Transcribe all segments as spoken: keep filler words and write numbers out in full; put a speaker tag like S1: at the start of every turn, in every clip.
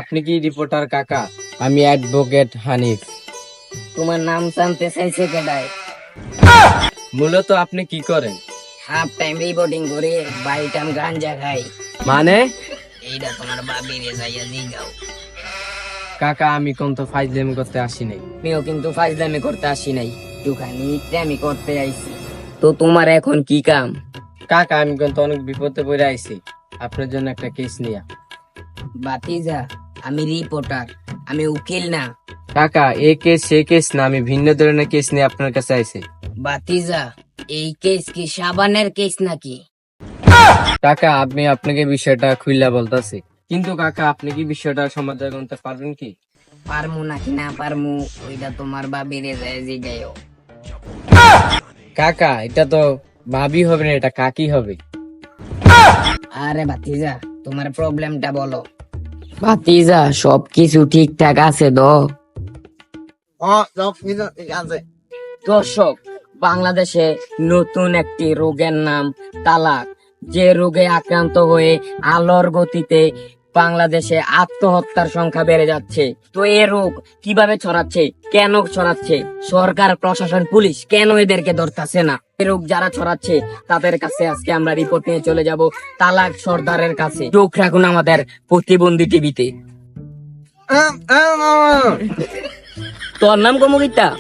S1: আপনি কি রিপোর্টার কাকা? আমি অ্যাডভোকেট হানিফ।
S2: তোমার নাম জানতে চাইছে কেডায়?
S1: মূলত আপনি কি করেন?
S2: হাফ টাইম রিপোর্টিং করে বাই টাইম গাঞ্জা খাই।
S1: মানে
S2: এইটা তোমার বাবি রে যাইয়া জিগাও।
S1: কাকা আমি কোন তো ফাইজলামি করতে আসি নাই।
S2: আমিও কিন্তু ফাইজলামি করতে আসি নাই, একটুখানি আমি করতে আইছি। তো তোমার এখন কি কাম?
S1: কাকা আমি কিন্তু অনেক বিপদে পড়ে আইছি, আপনার জন্য একটা কেস নিয়া।
S2: বাতিজা, আমি রিপোর্টার, আমি উকিল না।
S1: কাকা এই কেস সে কেস না, আমি ভিন্ন ধরনের কেস নিয়ে আপনার কাছে আইছি।
S2: বাতিজা, এই কেস কি সাবানের কেস নাকি?
S1: কাকা আমি আপনাকে বিষয়টা খুইলা বলতাছি, কিন্তু কাকা আপনি কি বিষয়টা সমাধান করতে পারবেন কি?
S2: পারমু নাকি না পারমু ওইটা তোমার বাবি রে যায় জিগাও।
S1: কাকা এটা তো ভাবি হবে না, এটা কাকি হবে।
S2: আরে ভাতিজা, তোমার প্রবলেমটা বলো। ভাতিজা সবকিছু ঠিকঠাক আছে তো? দর্শক, বাংলাদেশে নতুন একটি রোগের নাম তালাক। যে রোগে আক্রান্ত হয়ে আলোর গতিতে বাংলাদেশে আত্মহত্যার সংখ্যা বেড়ে যাচ্ছে। তো এই রোগ কিভাবে ছড়াচ্ছে, কেন ছড়াচ্ছে, সরকার প্রশাসন পুলিশ কেন এদেরকে ধরতেছে না? এই রোগ যারা ছড়াচ্ছে তাদের কাছে আজকে আমরা রিপোর্ট নিয়ে চলে যাব তালাক সর্দারের কাছে। চোখ রাখুন আমাদের প্রতিবন্ধী টিভিতে। তোর নাম কমুকিতা?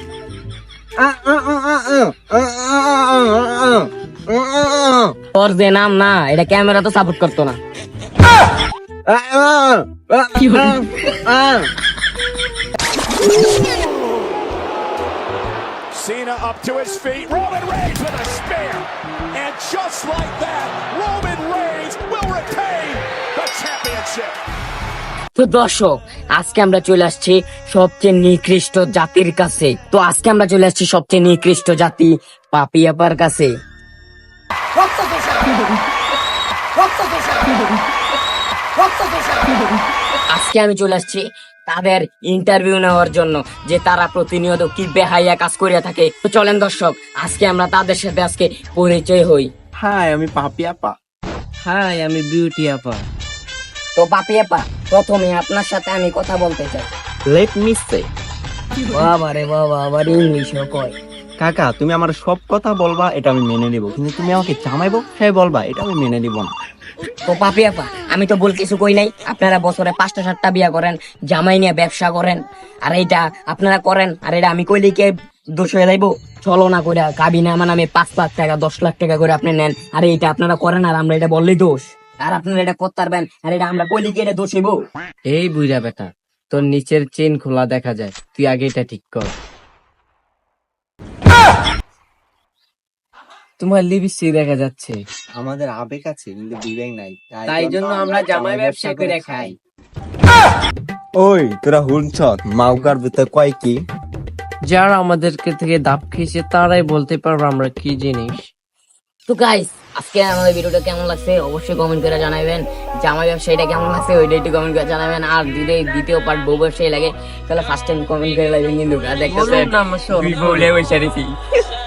S2: তোর যে নাম না, এটা ক্যামেরা তো সাপোর্ট করতো না।
S3: Cena up to his feet. Roman Reigns with a spear. And just like that, Roman Reigns will retain the championship.
S2: তো দর্শক, আজকে আমরা চলে আসছি সবচেয়ে নিকৃষ্ট জাতির কাছে। তো আজকে আমরা চলে আসছি সবচেয়ে নিকৃষ্ট জাতি পাপিয়াপার কাছে। আজকে আমি চলে আসছি তাদের ইন্টারভিউ নেওয়ার জন্য, যে তারা প্রতিনিয়ত কি বেহাইয়া কাজ করিয়া থাকে। তো চলেন দর্শক, আজকে আমরা তাদের সাথে আজকে পরিচয় হই।
S4: হাই, আমি পাপি আপা।
S1: হাই আমি বিউটি আপা।
S2: তো পাপিয়াপা, প্রথমে আপনার সাথে আমি কথা বলতে চাই।
S4: Let me say.
S2: বাবা রে বাবা, আবার ইংলিশও কয়।
S4: কাকা তুমি আমার সব কথা বলবা, এটা আমি মেনে নিব, কিন্তু তুমি আমাকে জামাইবো হ্যাঁ বলবা, এটা আমি মেনে নিব না।
S2: তো পাপিয়াপা, আমি তো ভুল কিছু কই নাই। আপনারা বছরে পাঁচটা সাতটা বিয়া করেন, জামাই নিয়ে ব্যবসা করেন, আর এইটা আপনারা করেন, আর এটা আমি কইলে কে দোষ হয়ে যাইবো? চলো না করে কাবিনে আমার নামে পাঁচ লাখ টাকা দশ লাখ টাকা করে আপনি নেন, আর এইটা আপনারা করেন, আর আমরা এটা বললেই দোষ? আর আপনারা এটা করতে পারবেন, আর এটা আমরা কইলে কি এটা দোষ হইব?
S1: এই বুইরা বেটা, তোর নিচের চেন খোলা দেখা যায়, তুই আগে এটা ঠিক কর। তোমার লিপস্টিক দেখা যাচ্ছে।
S4: আমাদের আবেগ আছে কিন্তু বিবেক নাই,
S1: তাই জন্য আমরা জামাই ব্যবসা করে খাই।
S4: ওই তোরা হুনছ মাউকার ভিতর কয় কি?
S1: যারা আমাদেরকে থেকে দাপ খেয়েছে তারাই বলতে পারবো আমরা কি জিনিস।
S2: তো গাইস, আজকে আমাদের ভিডিওটা কেমন লাগছে অবশ্যই কমেন্ট করে জানাবেন। জামাই ব্যবসায়ীটা কেমন লাগছে ওইটা একটু কমেন্ট করে জানাবেন। আর যদি দ্বিতীয় পার্ট বউ ব্যবসায়ী লাগে তাহলে ফার্স্ট টাইম কমেন্ট করে লাগবেন, কিন্তু দেখতেছেন বলে বসে